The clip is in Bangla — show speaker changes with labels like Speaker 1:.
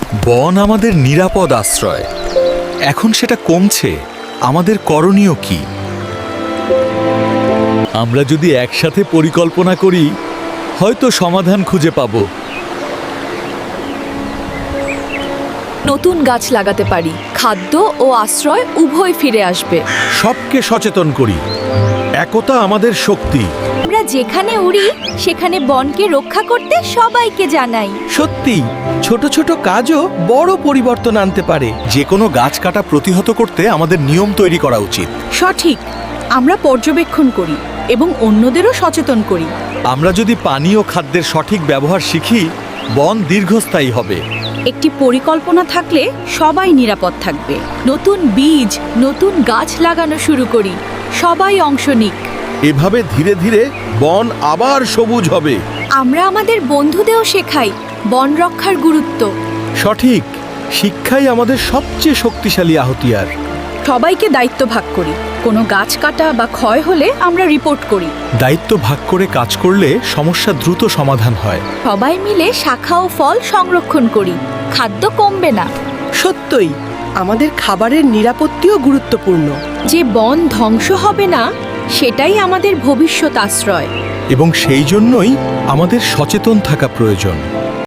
Speaker 1: বন আমাদের নিরাপদ আশ্রয়। এখন সেটা কমছে, আমাদের করণীয় কি? আমরা যদি একসাথে পরিকল্পনা করি, হয়তো সমাধান খুঁজে পাব।
Speaker 2: নতুন গাছ লাগাতে পারি, খাদ্য ও আশ্রয় উভয় ফিরে আসবে।
Speaker 1: সবকে সচেতন করি, একতা আমাদের শক্তি।
Speaker 2: আমরা যেখানে উড়ি সেখানে বনকে রক্ষা করতে সবাইকে জানাই।
Speaker 3: সত্যি, ছোট ছোট কাজও বড় পরিবর্তন আনতে পারে।
Speaker 1: যে কোনো গাছ কাটা প্রতিহত করতে আমাদের নিয়ম তৈরি করা উচিত।
Speaker 2: সঠিক, আমরা পর্যবেক্ষণ করি এবং অন্যদেরও সচেতন করি।
Speaker 1: আমরা যদি পানি ও খাদ্যের সঠিক ব্যবহার শিখি, বন দীর্ঘস্থায়ী হবে।
Speaker 2: একটি পরিকল্পনা থাকলে সবাই নিরাপদ থাকবে। নতুন বীজ, নতুন গাছ লাগানো শুরু করি, সবাই অংশ নিক।
Speaker 3: এভাবে ধীরে ধীরে বন আবার সবুজ হবে।
Speaker 2: আমরা আমাদের বন্ধুদেরও শেখাই বন রক্ষার গুরুত্ব।
Speaker 3: সঠিক, শিক্ষাই আমাদের সবচেয়ে শক্তিশালী আহতিয়ার।
Speaker 2: সবাইকে দায়িত্ব ভাগ করি, কোনো গাছ কাটা বা ক্ষয় হলে আমরা রিপোর্ট করি।
Speaker 1: দায়িত্ব ভাগ করে কাজ করলে সমস্যা দ্রুত সমাধান হয়।
Speaker 2: সবাই মিলে শাখা ও ফল সংরক্ষণ করি, খাদ্য কমবে না।
Speaker 4: সত্যই, আমাদের খাবারের নিরাপত্তিও গুরুত্বপূর্ণ।
Speaker 2: যে বন ধ্বংস হবে না, সেটাই আমাদের ভবিষ্যৎ আশ্রয়।
Speaker 1: এবং সেই জন্যই আমাদের সচেতন থাকা প্রয়োজন।